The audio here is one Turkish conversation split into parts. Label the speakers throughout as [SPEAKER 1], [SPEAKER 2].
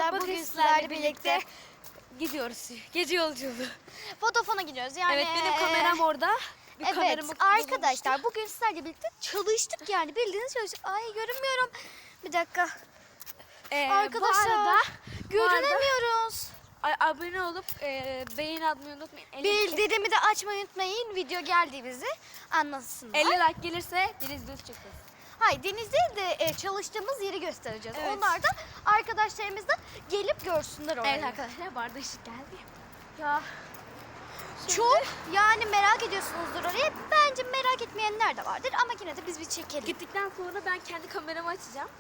[SPEAKER 1] arkadaşlar. Bugün sizlerle birlikte
[SPEAKER 2] gidiyoruz. Gece yolculuğu.
[SPEAKER 1] Vodafone'a gidiyoruz. Yani
[SPEAKER 2] Evet, benim kameram orada.
[SPEAKER 1] Evet arkadaşlar, bugün sizlerle birlikte çalıştık yani, bildiğiniz çalıştık. Ay, görünmüyorum. Bir dakika. Arkadaşlar, görünemiyoruz.
[SPEAKER 2] Abone olup beğeni atmayı unutmayın.
[SPEAKER 1] Bildirimi de açmayı unutmayın. Video geldiğimizi anlasınlar.
[SPEAKER 2] 50 like gelirse deniz düz çıkacağız.
[SPEAKER 1] Hayır, denizde de çalıştığımız yeri göstereceğiz.
[SPEAKER 2] Evet.
[SPEAKER 1] Onlar da arkadaşlarımız da gelip görsünler orayı.
[SPEAKER 2] Evet arkadaşlar, bu arada ışık geldi.
[SPEAKER 1] Ya çok yani merak ediyorsunuzdur orayı. Bence merak etmeyenler de vardır ama yine de biz bir çekelim.
[SPEAKER 2] Gittikten sonra ben kendi kameramı açacağım.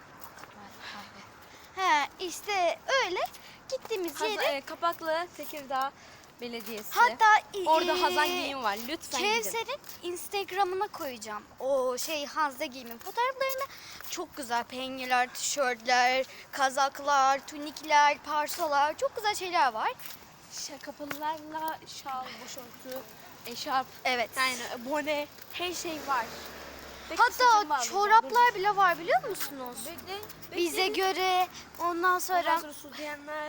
[SPEAKER 1] He, işte öyle gittiğimiz yere.
[SPEAKER 2] Kapaklı Tekirdağ Belediyesi.
[SPEAKER 1] Hatta
[SPEAKER 2] orada Hazan Giyim var. Lütfen gidin.
[SPEAKER 1] Kevser'in Instagram'ına koyacağım. O Hazze Giyim'in fotoğraflarını. Çok güzel penyeler, tişörtler, kazaklar, tunikler, parsolar. Çok güzel şeyler var.
[SPEAKER 2] Kapalılarla şal, başörtü, eşarp,
[SPEAKER 1] Evet.
[SPEAKER 2] yani bone, her şey var.
[SPEAKER 1] Hatta çoraplar bile var, biliyor musunuz?
[SPEAKER 2] Bekleyin.
[SPEAKER 1] Bize göre. Ondan sonra
[SPEAKER 2] su diyenler.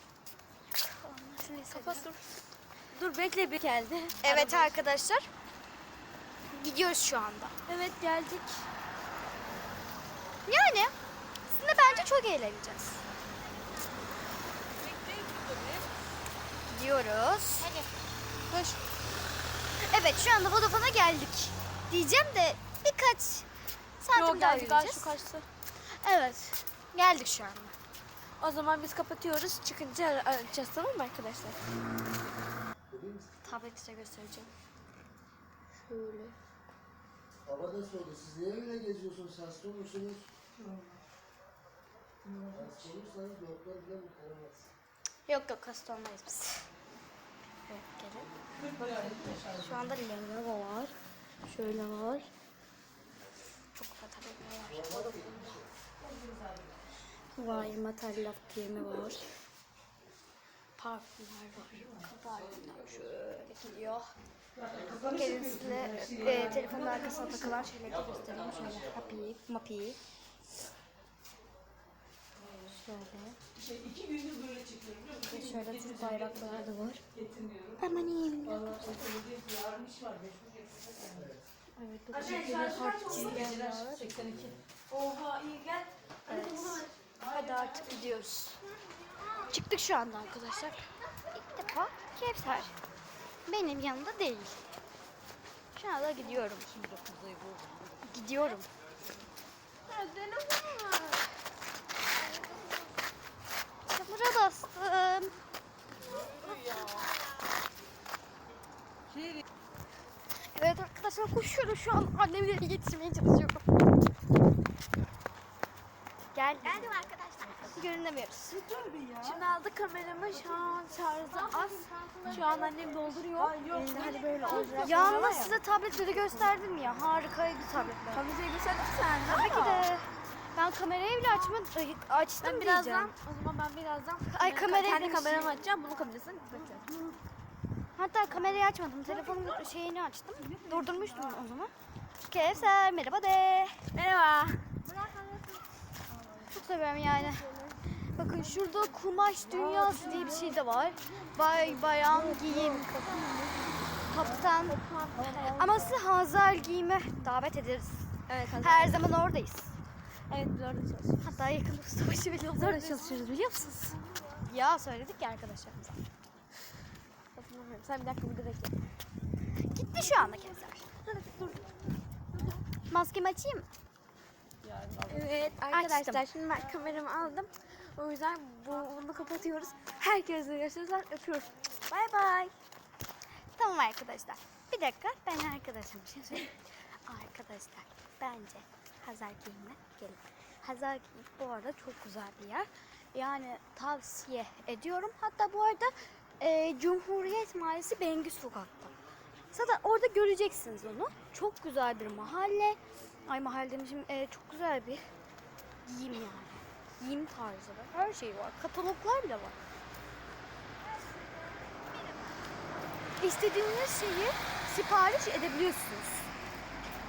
[SPEAKER 2] Kapat dur. Dur bekle, bir geldi.
[SPEAKER 1] evet arkadaşlar. Gidiyoruz şu anda.
[SPEAKER 2] Evet, geldik.
[SPEAKER 1] Yani sizinle bence çok eğleneceğiz. Gidiyoruz.
[SPEAKER 2] Hadi. Koş.
[SPEAKER 1] Evet, şu anda Vodafone'a geldik. Diyeceğim de birkaç santim daha yürüyeceğiz.
[SPEAKER 2] Şu kaçtı.
[SPEAKER 1] Evet. Geldik şu anda.
[SPEAKER 2] O zaman biz kapatıyoruz. Çıkınca arayacağız, tamam mı arkadaşlar?
[SPEAKER 1] Tableti size göstereceğim.
[SPEAKER 2] Şöyle.
[SPEAKER 3] Baba da sordu, siz niye öyle geziyorsunuz, hasta olursunuz? Hasta olursanız doktor bile kurtaramaz.
[SPEAKER 1] Yok, hasta olmayız biz. Evet, gelin. Bakın. Şu anda Lenovo var. Şöyle var. Çok güzel tabletler var. Var, Matallaf giyimi var. Parfümler var. Parfümler şöyle gidiyor. Gelin size telefonun arkasına takılan şeyleri de göstereyim. Şöyle Happy, Mappy. Şöyle.
[SPEAKER 4] 2 gündür böyle çekiyorum biliyor musun?
[SPEAKER 1] Ve şöyle Türk bayrakları da var.
[SPEAKER 4] Getirmiyorum.
[SPEAKER 1] Aman iyiyim.
[SPEAKER 4] Vallahi yarın iş var.
[SPEAKER 1] Evet, bu
[SPEAKER 4] Şarj kaç oldu geceler? 82. Oha, iyi gel.
[SPEAKER 1] Evet. Hadi artık gidiyoruz. Çıktık şu anda arkadaşlar. İlk defa Kevser benim yanımda değil. Şu anda gidiyorum. Gidiyorum. Çamura bastım. Evet arkadaşlar, koşuyorum şu an, annemleri yetişmeye çalışıyorum. Geldim arkadaşlar. Görünemiyoruz.
[SPEAKER 2] Şimdi aldık kameramı. Şu an şarjı az. Şu an annem dolduruyor. Hani böyle olacak.
[SPEAKER 1] Yalnız size tabletleri gösterdim ya, harikaydı tabletler.
[SPEAKER 2] Kamerayı gösterdin sen.
[SPEAKER 1] Tabii ki de. Ben kamerayı bile açtım
[SPEAKER 2] Ben birazdan,
[SPEAKER 1] diyeceğim.
[SPEAKER 2] o zaman ben birazdan
[SPEAKER 1] Ay, kamerayı
[SPEAKER 2] kendi
[SPEAKER 1] demişim.
[SPEAKER 2] kameramı açacağım. Bunun kamerasını kapatacağım.
[SPEAKER 1] Hatta kamerayı açmadım. Telefonun şeyini açtım. Durdurmuştum o zaman. Kevser merhaba de.
[SPEAKER 2] Merhaba.
[SPEAKER 1] Çok seviyorum yani. Bakın şurada kumaş dünyası diye bir şey de var. Bayan giyim. Kaptan. Ama sizi Hazar giyime davet ederiz.
[SPEAKER 2] Evet,
[SPEAKER 1] Her zaman oradayız.
[SPEAKER 2] evet, biz orada çalışıyoruz.
[SPEAKER 1] Hatta yakın ustabaşı bile
[SPEAKER 2] Biz orada çalışıyoruz, biliyor musunuz?
[SPEAKER 1] Ya söyledik ya arkadaşlarımıza.
[SPEAKER 2] Hatırlamıyorum. Sen bir dakika burada bekle.
[SPEAKER 1] Gitti şu anda Kevser.
[SPEAKER 2] Dur.
[SPEAKER 1] Maskemi açayım mı?
[SPEAKER 2] Evet arkadaşlar, şimdi ben kameramı aldım. O yüzden bunu kapatıyoruz. Herkese görüşürüz. Öpüyoruz. Bay bay.
[SPEAKER 1] Tamam arkadaşlar. Bir dakika, ben arkadaşım bir şey söyleyeyim. Arkadaşlar, bence Hazar Giyim'e gelin. Hazar Giyim bu arada çok güzel bir yer. Yani tavsiye ediyorum. Hatta bu arada Cumhuriyet Mahallesi Bengü Sokak'ta. Zaten orada göreceksiniz onu. Çok güzel bir mahalle. Ay, mahalle demişim. Çok güzel bir giyim yani. Giyim tarzı var. Her şey var. Kataloglar bile var. İstediğiniz şeyi sipariş edebiliyorsunuz.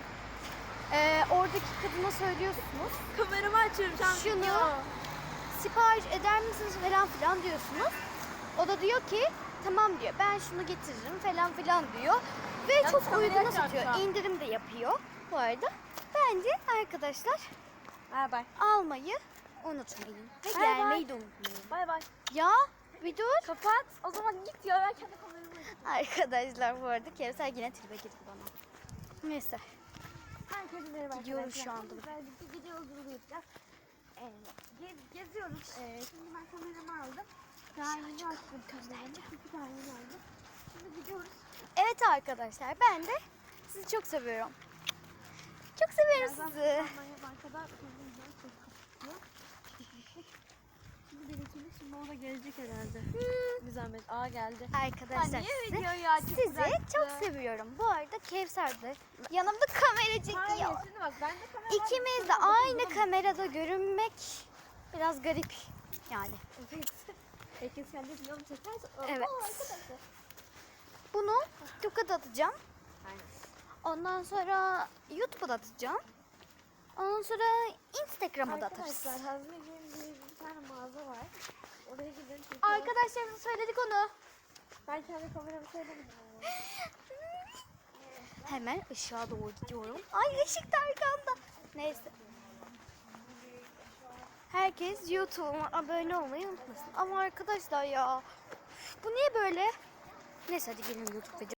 [SPEAKER 1] Oradaki kadına söylüyorsunuz.
[SPEAKER 2] Kameramı açıyorum şu an.
[SPEAKER 1] Şunu
[SPEAKER 2] video.
[SPEAKER 1] sipariş eder misiniz falan filan diyorsunuz. O da diyor ki tamam diyor, ben şunu getiririm falan filan diyor. Ve
[SPEAKER 2] Yalnız
[SPEAKER 1] çok
[SPEAKER 2] kamerayı
[SPEAKER 1] uyguna
[SPEAKER 2] açar
[SPEAKER 1] satıyor.
[SPEAKER 2] şu an.
[SPEAKER 1] İndirim de yapıyor bu arada. Bence arkadaşlar
[SPEAKER 2] Bay bay.
[SPEAKER 1] almayı unutmayın. Ve
[SPEAKER 2] Bay
[SPEAKER 1] gelmeyi de unutmayın.
[SPEAKER 2] Bay bay.
[SPEAKER 1] Ya bir dur.
[SPEAKER 2] Kapat. O zaman git ya, ben kendi kameramı açayım.
[SPEAKER 1] Arkadaşlar bu arada Kevser yine tribe girdi bana. Neyse.
[SPEAKER 2] Herkese merhaba
[SPEAKER 1] Gidiyoruz
[SPEAKER 2] arkadaşlar.
[SPEAKER 1] şu anda.
[SPEAKER 2] Güzel bir gece yolculuğu yapacağız. Geziyoruz. Şimdi ben kameramı aldım. Daha yeni açtım kameramı. İki tane yeni aldım. Şimdi gidiyoruz.
[SPEAKER 1] Evet arkadaşlar, ben de sizi çok seviyorum. Çok seviyorum sizi.
[SPEAKER 2] Bankada kendimden çok kapatıyor. Şimdi benimkini, şimdi o da gelecek herhalde. Bir zahmet. Aa geldi.
[SPEAKER 1] Arkadaşlar
[SPEAKER 2] niye
[SPEAKER 1] sizi,
[SPEAKER 2] video ya? Çok
[SPEAKER 1] sizi
[SPEAKER 2] bıraktı.
[SPEAKER 1] çok seviyorum. Bu arada Kevser de yanımda kamera çekiyor.
[SPEAKER 2] Hayır, şimdi bak ben de kamera
[SPEAKER 1] İkimiz de aynı kamerada görünmek biraz garip yani.
[SPEAKER 2] Evet. Herkes kendi videomu çekerse.
[SPEAKER 1] Evet.
[SPEAKER 2] Oo, arkadaşlar.
[SPEAKER 1] Bunu TikTok'a da atacağım.
[SPEAKER 2] Aynen.
[SPEAKER 1] Ondan sonra YouTube'a da atacağım. Ondan sonra Instagram'a da atarız.
[SPEAKER 2] Arkadaşlar Hazmeciğim diye bir tane mağaza var. Oraya gidelim.
[SPEAKER 1] Arkadaşlarımıza söyledik onu.
[SPEAKER 2] Ben kendi kameramı söylemedim.
[SPEAKER 1] Hemen ışığa doğru gidiyorum. Ay ışık da arkamda. Neyse. Herkes YouTube'uma abone olmayı unutmasın. Ama arkadaşlar ya, bu niye böyle? Neyse hadi gelin YouTube videosu.